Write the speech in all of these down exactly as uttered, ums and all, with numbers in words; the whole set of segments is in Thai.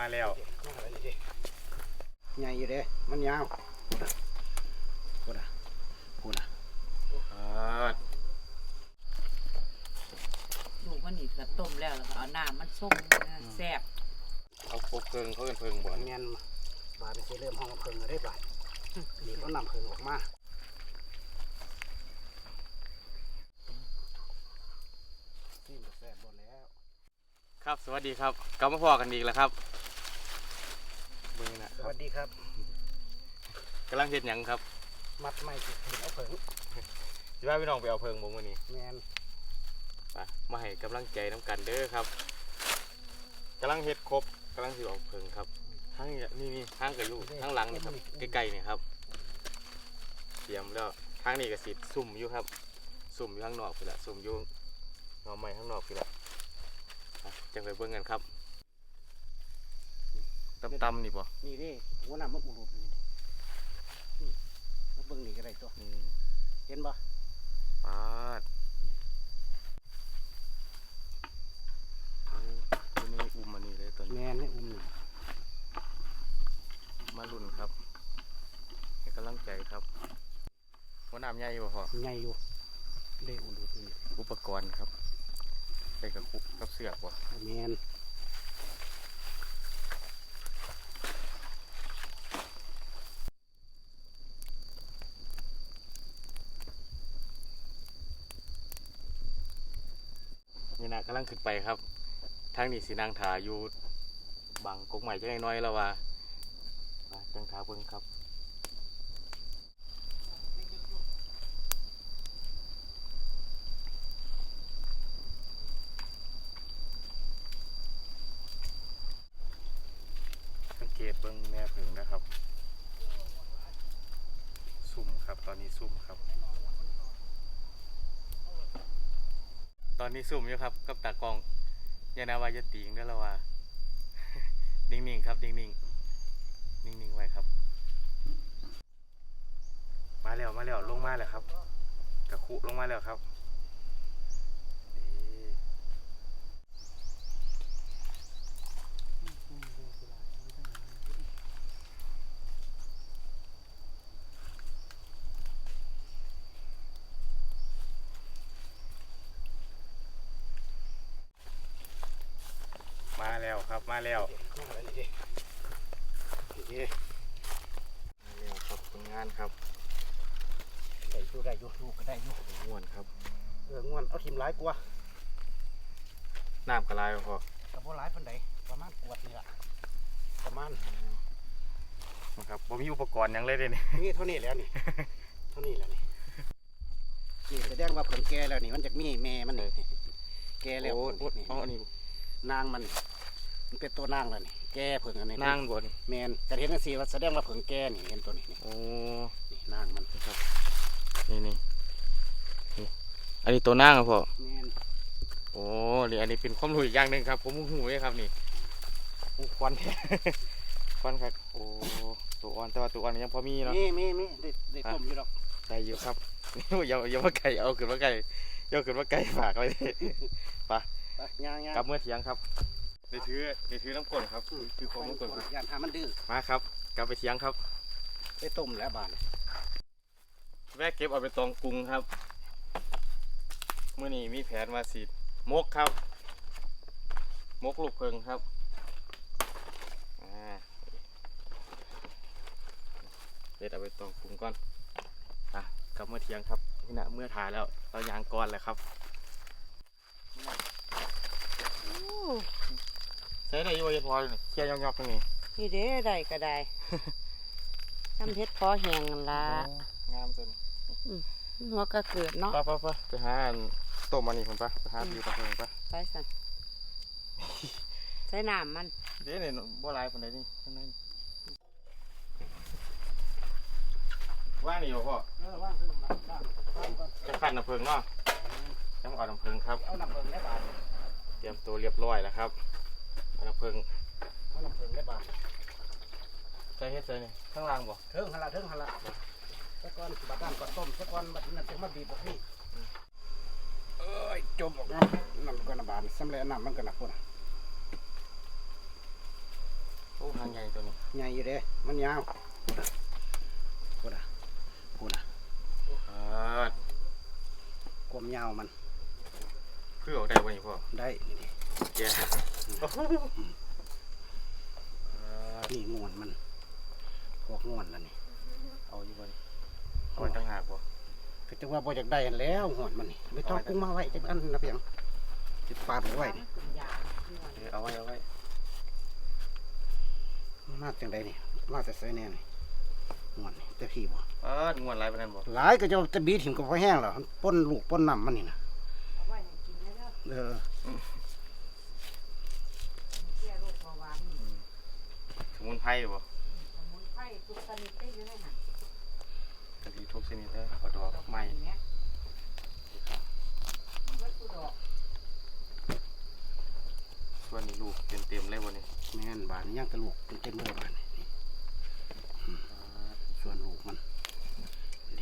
มาแล้วใหญ่อยู่เด้มันยาวพูดอ่ะพูดอ่ะลูกมันนี่กระต้มแล้วแล้วก็เอาน้ำมันส้มแซ่บเอาพกเพิงเขาเป็นเพิงบ่อนเงี้ยบาดจะเริ่มห้องเพิงได้บาดนี่เขานำเพิงออกมานี่แซ่บหมดแล้วครับสวัสดีครับกลับมาพอกันอีกแล้วครับเบิ่งนะสวัสดีครับกำลังเฮ็ดหยังครับมัดไม่ถึงเอาเพิงสิว่าพี่น้องไปเอาเพิงบ่มื้อนี้แม่นไปมาให้กำลังใจน้ำกันเด้อครับกำลังเฮ็ดครบกำลังสิเอาเพิงครับทั้งนี่นี่ทั้งกับอยู่ทั้งหลังนี่ครับใกล้ๆนี่ครับเตรียมแล้วทางนี้ก็สิซุ่มอยู่ครับซุ่มอยู่ข้างนอกพี่ละซุ่มอยู่หน่อไม้ข้างนอกพี่ละจังไปเบิ่งกันครับตำๆนี่บ่นี่ดิหัวหน้ามันอุดนี่แล้วเบิ่งนี่ก็ได้ตัวเห็นบ่ปาดตัวนี้อุ้มอันนี้เลยตัวนี้แม่นให้อุ้มนี่มาลุ่นครับให้กำลังใจครับหัวหน้าใหญ่บ่พอใหญ่อยู่เด้อุดนี่อุปกรณ์ครับใส่กับคุกกับเสือกบ่แม่นนี่นะกำลังขึ้นไปครับทางนี้สีนางถาอยู่บางกกใหม่จะน้อยๆแล้วว่าจังถาเบิ่งครับสังเกตเบิ่งแม่ผึ่งนะครับซุ่มครับตอนนี้ซุ่มครับตอนนี้ซุ่มอยู่ครับกับตากล้องยานาวายติงด้วยละว่า นิ่งๆครับนิ่งๆนิ่งๆไว้ครับมาแล้วมาแล้วลงมาแล้วครับกระคุลงมาแล้วครับมาแล้วครับมาแล้วมาแล้วครับทำงานครับได้อยู่ได้อยู่ลูกก็ได้อยู่ง่วนครับเออง่วนเอาทิมหลายกว่าน้ำกระไรพอกับบ่หลายปานใดประมาณกวดนี่ล่ะประมาณนะครับบ่มีอุปกรณ์ยังเลยเด้นี่นี่เท่านี้แล้วนี่เท่านี้แล้วนี่นี่แสดงว่าผลแก่แล้วนี่มันจะมีแม่มันนี่แก่แล้วนี่อ๋อนี่นางมันมันเป็นตัวนางแล้วนี่แก่เผิงอันนี้นางบ่นี่แมนกระเทียมสีว่าแสดงว่าเผิงแก่นี่เห็นตัวนี้โอ้นี่นางมันครับนี่นี่นี่อันนี้ตัวนางครับพ่อแมนโอ้นี่อันนี้เป็นความรู้อีกอย่างหนึ่งครับผมหูเลยครับนี่ควันควันครับโอ้ตัวอ่อนแต่ว่าตัวอ่อนยังพอมีเนาะมีมีมีได้ได้ต้มอยู่หรอกได้อยู่ครับนี่อย่าอย่ามาไก่เอาขึ้นมาไก่เอาขึ้นมาไก่ฝากไว้ไปกลับเมื่อเที่ยงครับได้ถือได้ถือน้ำกลนครับถือของน้ำกลนย่านทามันดื้อมาครับกลับไปเที่ยงครับได้ต้มแล้วบานแวะเก็บเอาไปตองกรุงครับเมื่อนี้มีแผนมาสีมกครับมกลูกเพิงครับเด็ดเอาไปตองกรุงก่อนอ่ะกลับเมื่อเที่ยงครับนี่นะเมื่อถ่ายแล้วเรายางก้อนเลยครับใช้ได้ยังไงพอเลยเคี่ยวยอกๆตรงนี้นี่เด้ได้ก็ได้ทำเพชรพอแห้งละงามจังหัวก็เกิดเนาะไปไปไปไปหาต้มอันนี้ผมปะไปหาอยู่ตะเพิงปะไปสั่นใช้น้ำมันเดี๋ยวเนี่ยบ่ลายคนไหนนี่ข้างในว่างนี่อยู่พ่อจะขัดน้ำเพิงเนาะจะมาเอาน้ำเพิงครับเอาน้ำเพิงได้บาทเตรียมตัวเรียบร้อยแล้วครับเอาน้ำเพิงเอาน้ำเพิงได้บาทใช้เฮ็ดใส่นี่ข้างล่างบ่เทิงหันละเทิงหันละสักก้อนบัดน้ำก่อนต้มสักก้อนบัดนั้นจะมาบีบพวกนี้เอ้ยจมออกน้ำน้ำก้อนน้ำบานสำเร็จน้ำมันก็หนักพุ่นางใหญ่ตัวนี้ใหญ่อยู่เด้มันยาวพูดอ่ะพูดอ่ะอ่าความยาวมันคือออกได้บ่นี่พ่อได้นี่ดิแย่โอ้โหอ่านี่งวนมันพวกงวนแล้วนี่เอาอยู่บ่นี่เอาไว้ตั้งหากบ่ก็จะว่าบ่อยากได้อันแล้วงวนมันนี่ไม่ต้องกุ้งมาไว้จักอันนะเพียงสิปาดไว้นี่เออเอาไว้เอาไว้มาจังไดนี่มาแต่ไสแน่นี่งวนนี่แต่พี่บ่เอองวนหลายปานนั้นบ่หลายก็จะจะบีถิ่มก็พอแห้งแล้วมันป้นลูกป้นน้ำมันนี่นะเออสมุนไพรบ่สมุนไพรทุกชนิดได้อยู่ในหันกะทิทุกชนิดเด้อเอาดอกไม้วัตถุดอกส่วนนี้ลูกเต็มๆเลยบ่นี่แม่นบานย่างกระลูกเป็นเต็มเลยบานนี่อืมส่วนลูกมันดี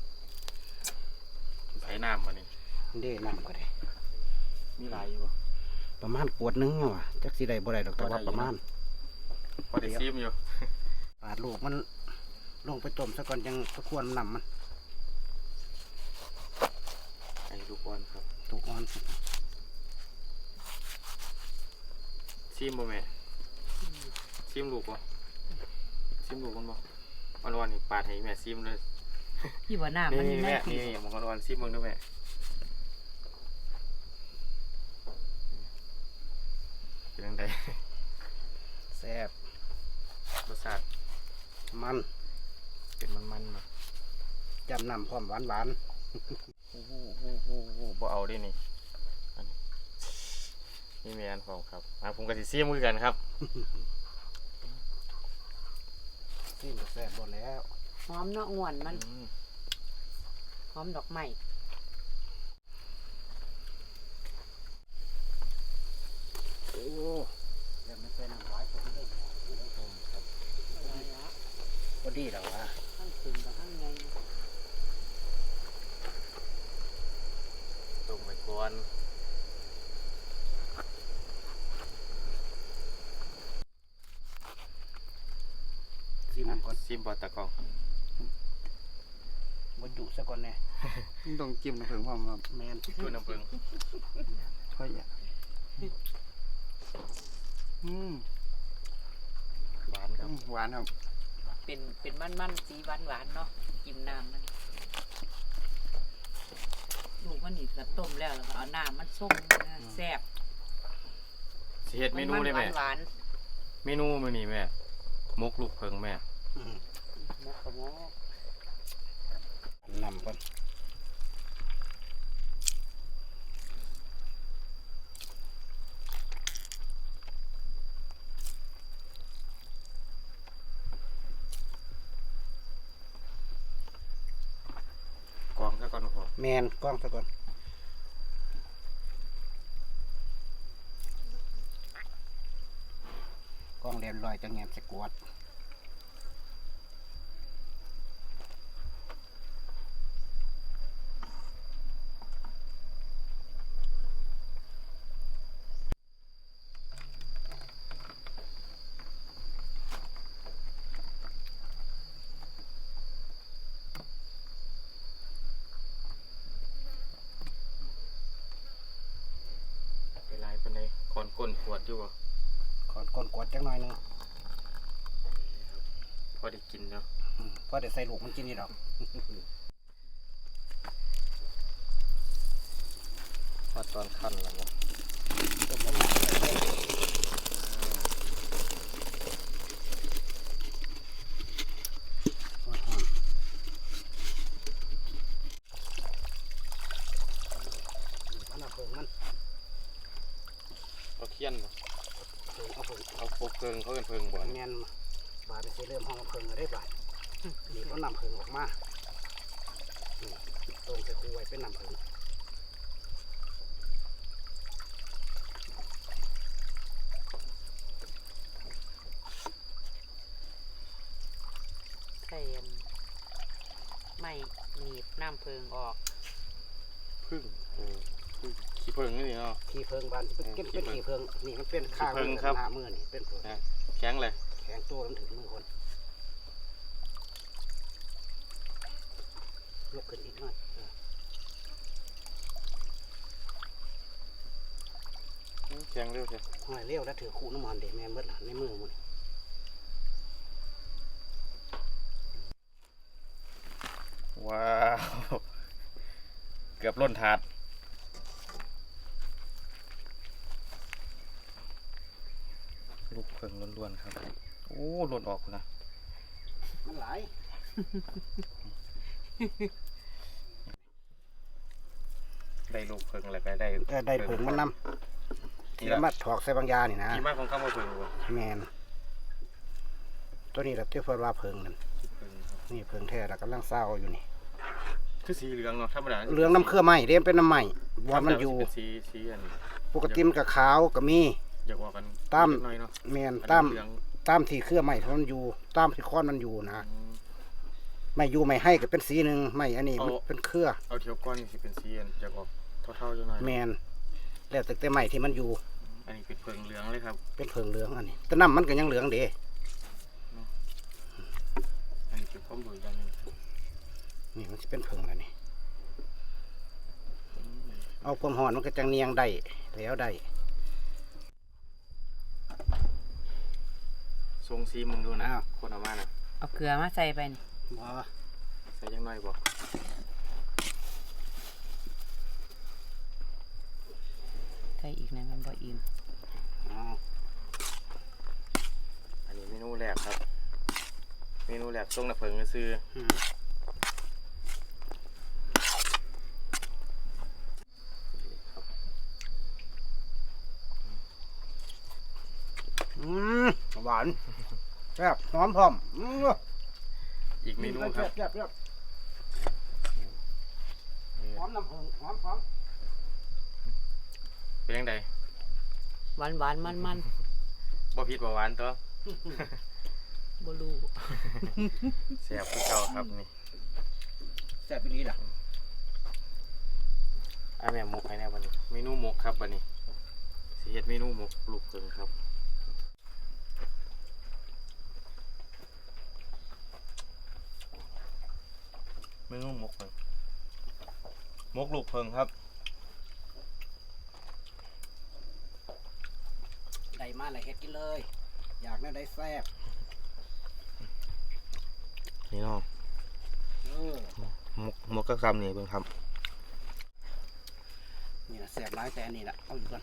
ใส่น้ำบ่นี่เด้น้ำก็ได้มีหลายอยู่บ่ประมาณขวดหนึงเนาะว่ะจักสิได้บ่ได้ดอกแต่ว่าประมาณพอได้ซิมอยู่ปาดลูกมันลงไปต้มซะก่อนจังตะควรนำมันไอ้ลูกบอลครับถูกอ่อนซิมบ่แม่ซิมลูกบ่ซิมลูกมันบ่อ่อนๆนี่ปาดให้แม่ซิมเลยพี่ว่าน้ำนี่มันนี่ในแม่พี่นี่ๆมันอ่อนๆซิมเบิ่งดูแม่เป็นจังไดแซ่บรสชาติมันเป็นมันๆเนาะจำน้ำพร้อมหวานหวานโอ้โหโอ้โหโอ้โหบ่เอาดินี่อันนี้นี่แม่อันของครับอ่ะผมก็สิซิมคือกันครับๆซีมก็แซ่บหมดแล้วหอมเนาะง่วนมันอืมหอมดอกไม้โอ้เดี๋ยวมันเป็นน้ำหวานพอดีไม่ได้ต้มครับพอดีแล้ววะข้างถึงกับข้างในต้มไว้ก่อนซีมอ่ะก่อนซิมบ่ตะกล้องบดจุซะก่อนแน่ต้องจิ้มน้ำผึ้งพร้อมครับแมนดูน้ำผึ้งค่อยอ่ะอืมหวานครับหวานครับเป็นเป็นมันมันๆสีหวานหวานๆเนาะกินน้ำมันลูกมันนี่ก็ต้มแล้วแล้วก็เอาน้ำมันส้มนะแซ่บสิเฮ็ดเมนูเลยแม่หวานเมนูมื้อนี้แม่มกลูกเพิงแม่อืมๆมกกระมกนำก่อนกรองซะก่อนพอแมนกล้องซะก่อนกล้องเรียบร้อยจังแงมสกวดไปลายปานใดก่อนก้นขวดอยู่บ่ขอนก้นกวดจังหน่อยหนึงพอได้กินเนาะอืมเพราะเดี๋ยวใส่ลูกมันกินนี่ดอกพอตอนคั่นแล้วบ่ต้มน้ำมันเลยหอนๆเอาน้ำเพิงมันเอาเคียนบ่เพิงเอาเพิงเอาโคกเพิงเขาเป็นเพิงบ่แมนบาดสิเริ่มห้องเพิงแล้วได้บาดนี่ก็นำเพิงออกมานี่ตรงจะคูไว้เป็นนำเพิงใส่อันไม่หนีบน้ำเพิงออกพึ่งเออพึ่งขี้เพิงนี่เนาะขี้เพิงบานเป็นเป็นเป็นขี้เพิงนี่มันเป็นข้างขี้เพิงครับหน้ามือนี่เป็นเพิงนะแข็งเลยแข็ข็งตัวมันถึงมือคนยกขึ้นอีกหน่อยเออแข็งเร็วใช่หน่อยเลี้ยวแล้วถือคู่น้ำมันเด็แม่นเบิดหลานในมือมันว้าวเกือบล้นถาดลูกเพิงล้วนๆครับโอ้ล้นออกนะมันหลายได้ลูกเพิงอะไรไปได้แต่ได้ผงมันนำที่มาถอกใส่บางยานี่นะกี่มากของข้าวมาเพิงวะแมนตัวนี้เราเทียบว่าเพิงนั่นเพิงครับนี่เพิงแท้เรากำลังเศร้าอยู่นี่คือสีเหลืองเนาะธรรมดาเหลืองน้ำเครือไหมเรียมเป็นน้ำไหมวอนมันอยู่เป็นสีสีอันนี้ปกติมันกับขาวก็มีอยากว่ากันตามเล็กน้อยเนาะแมนอันนี้ตามเหลืองตามที่เครือไหมมันอยู่ตามที่ค้อนมันอยู่นะอืมไม่อยู่ไม่ให้ก็เป็นสีหนึ่งไม่อันนี้เอามันเป็นเครือเอาเทียวก้อนนี่สิเป็นสีอันอยากออกเท่าๆจังหน่อยแมนแล้วแต่แต่ไหมที่มันอยู่อันนี้เป็นเพิงเหลืองเลยครับเป็นเพิงเหลืองอันนี้แต่น้ำมันก็ยังเหลืองเด้อันนี้เป็นข้อมูลอย่างหนึงนี่มันจะเป็นเพิงแล้วนี่เอาความหอนมันก็จังเนียงได้แล้วได้ทรงซีมึงดูนะอ้าวคนเอามานะเอาเกลือมาใส่ไปนี่บ่ใส่ยังน้อยบ่ใส่อีกนะมันบ่อิ่มอ๋ออันนี้เมนูแรกครับ เมนูแรกทรงน้ำเพิงก็ซื้ออืมครับอืมหวานแซ่บหอมพร้อมอืมอีกเมนูครับแซ่บแซ่บหอมน้ำผึ้งหอมหอมเป็นยังไงหวานหวานมันมันบ่ผิดบ่หวานตัวๆบ่รู้แซ่บคือเก่าครับนี่แซ่บไปลีล่ะอ่ะแม่หมกให้แน่บัดนี้ เมนูหมกครับบัดนี้สิเฮ็ดเมนูหมกลูกเพิงครับ เมนูหมกเพิงหมกลูกเพิงครับได้มาเลยเฮ็ดกินเลย อยากได้ได้แซ่บนี่เนาะเออหมกหมกก็คำนี่เบิ่งครับนี่นะแซ่บร้ายแต่อันนี้ละเอาอยู่ก่อน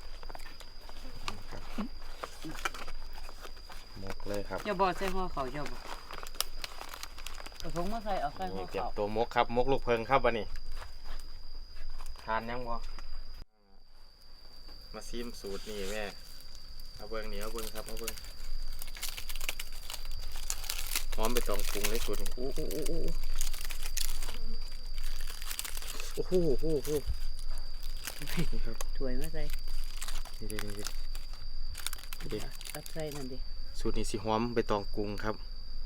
หมกเลยครับเจ้าบ่ใส่หัวเขาเจ้าบ่เอาถุงมาใส่เอาใส่หันี่วเก็บเขาตัวมกครับมกลูกเพิงครับวันนี้ทานยังบ่มาซิมสูตรนี่แม่เอาเบิ้งนี่เอาเบิ้งครับเอาเบิ้งหอมไปตองปรุงเลยสูตรนี่โอ้โอ้โอ้โอ้โอ้โหโอ้โหโอ้โหนี่ครับถ้วยมาใส่นี่เด็ดนี่เด็ดนี่เด็ดตัดใส่นั่นดิสูตรนี้สิหอมไปตองปรุงครับ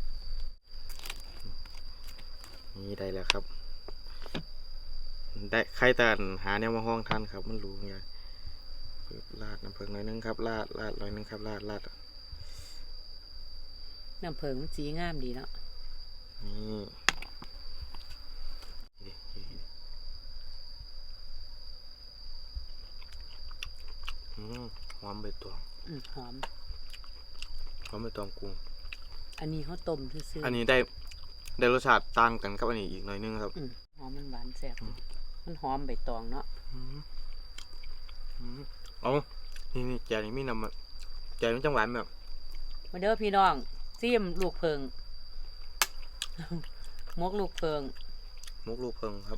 นี่ได้แล้วครับได้ใครแต่หาแนวมาห้องท่านครับมันรู้ไงลาดน้ำเพิงหน่อยนึงครับลาดลาดหน่อยนึงครับลาดลาดน้ำเพิงมันสีงามดีเนาะนี่นี่นี่อืมหอมใบตองอืมหอมหอมใบตองกุ้งอันนี้เขาต้มซื่อๆอันนี้ได้ได้รสชาติต่างกันกับอันนี้อีกหน่อยนึงครับอืมหอมมันหวานแซ่บมันหอมใบตองเนาะอืมอืมเอานี่นี่แกนี่มีน้ำอะแกมันจังหวานแบบมาเด้อพี่น้องซิมลูกเพิง มกลูกเพิงมุกลูกเพิงครับ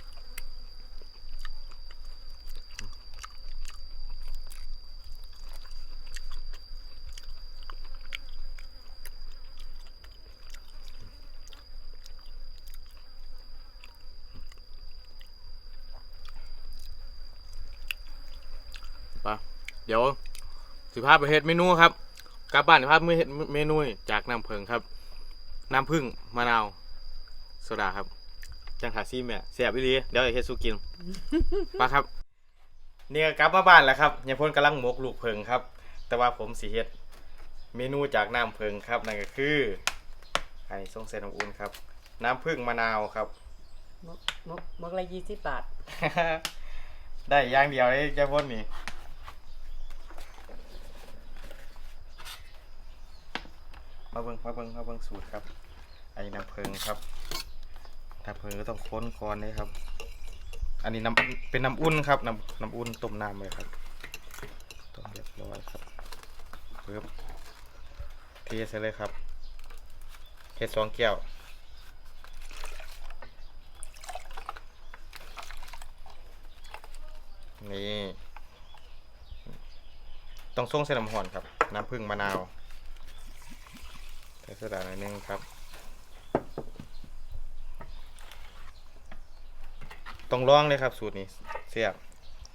ปะเดี๋ยวสิพาไปเฮ็ดเมนูครับกลับบ้านสิพาไปเฮ็ดเมนูจากน้ำเพิงครับ น้ำผึ้งมะนาวโซดาครับจังหาซีแม่เสียบอีหลีเดี๋ยวจะเฮ็ดสู้กิน ปะครับเนี่ยกลับมาบ้านแล้วครับยายพลกำลังหมกลูกเพิงครับ แต่ว่าผมสิเฮ็ดเมนูจากน้ำผึ้งครับนั่นก็คืออันนี้ส่งเส้นน้ำอุ่นครับน้ำผึ้งมะนาวครับมกมกมกละยี่สิบบาทได้อย่างเดียวเลยเจ้าพ่นนี่มาเบิ่งมาเบิ่งมาเบิ่งสูตรครับไอ้น้ำผึ้งครับน้ำผึ้งก็ต้องค้นก่อนเลยครับอันนี้น้ำเป็นน้ำอุ่นครับน้ำน้ำอุ่นต้มน้ำเลยครับต้มเรียบร้อยครับเพิ่มเทใส่เลยครับเทสองแก้วนี่ต้องส่งเส้นน้ำห่อนครับน้ำผึ้งมะนาวใส่โซดาหน่อยนึงครับต้องลองเลยครับสูตรนี้เสียบ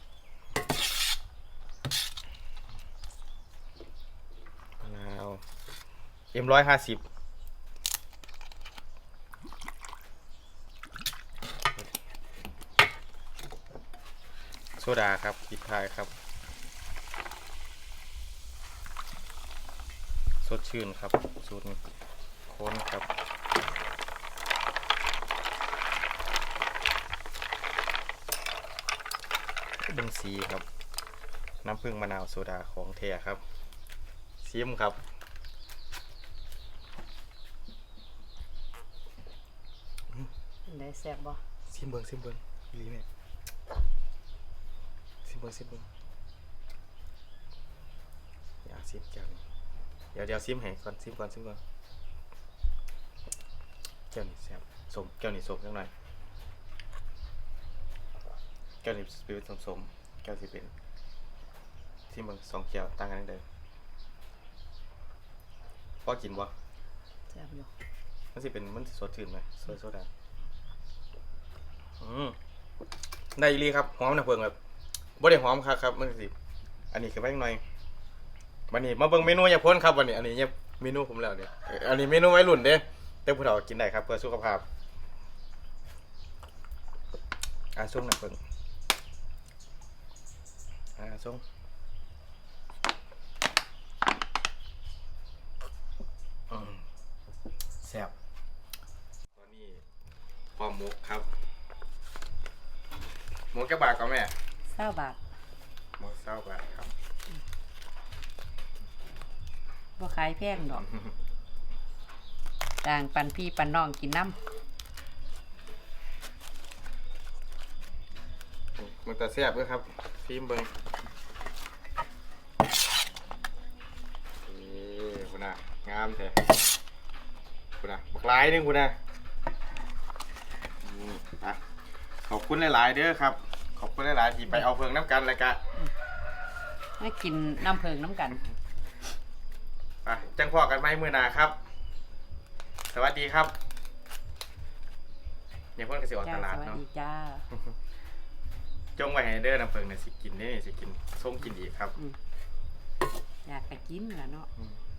มะนาวเอ็มร้อยห้าสิบโซดาครับปิดท้ายครับสดชื่นครับสูตรโค้นครับเบิ่งสีครับน้ำผึ้งมะนาวโซดาของแท้ครับซิมครับได้แซ่บบ่ซิมเบิ้งซิมเบิ้งอีหลีเนี่ยซิมเบิ้งซิมเบิ้งอย่าซิมจังเดี๋ยวเดี๋ยวซิมให้ก่อนซิมก่อนซิมก่อนแก้วนี่แซ่บสมแก้วนี่สมจังหน่อยแก้วนี่เป็นสมสมแก้วที่เป็นซิมเบิ้งสองแก้วต่างกันนิดเดียวพอกินบ่แซ่บอยู่มันสิเป็นมันสิสดชื่นไหมโซโซดาอืมได้อีหลีครับหอมนะเพิ่งแบบบ่ได้หอมครับครับมันสิอันนี้คือไว้หน่อยวันนี้มาเบิ่งเมนูอย่าพ้นครับวันนี้อันนี้เนี่ยเมนูผมแล้วเนี่ยอันนี้เมนูไว้รุ่นเด้แต่ผู้เฒ่ากินได้ครับเพื่อสุขภาพอ่ะส่งหน่อยเพิ่งอ่ะส่งอืมแซ่บตอนนี้พอหมกครับหมกแก้วบาทก่อนแม่เศร้าบาทหมกเศร้าบาทครับบ่ขายแพงดอกต่างปันพี่ปันน้องกินน้มันแต่แซ่บด้วยครับฟิล์มเบิ้งนี่คุณน่ะงามแท้คุณน่ะบักหลายหนึงคุณน่ะอืมอ่ะขอบคุณหลายๆเด้อครับขอบคุณหลายๆที่ไปเอาเพิงน้ำกันเลยกะำให้กินน้ำเพิงน้ำกันไปจังพอกันไหมมื้อหน้าครับ สวัสดีครับอย่าเพิ่งกระสิออกจ้าตลาดสวัสเนาะดีจ้าจงไว้ให้เด้อน้ำเพิงเนี่ยสิกินนี่สิกินส้มกินอีกครับอืมอยากไปกินแหละเนาะอืม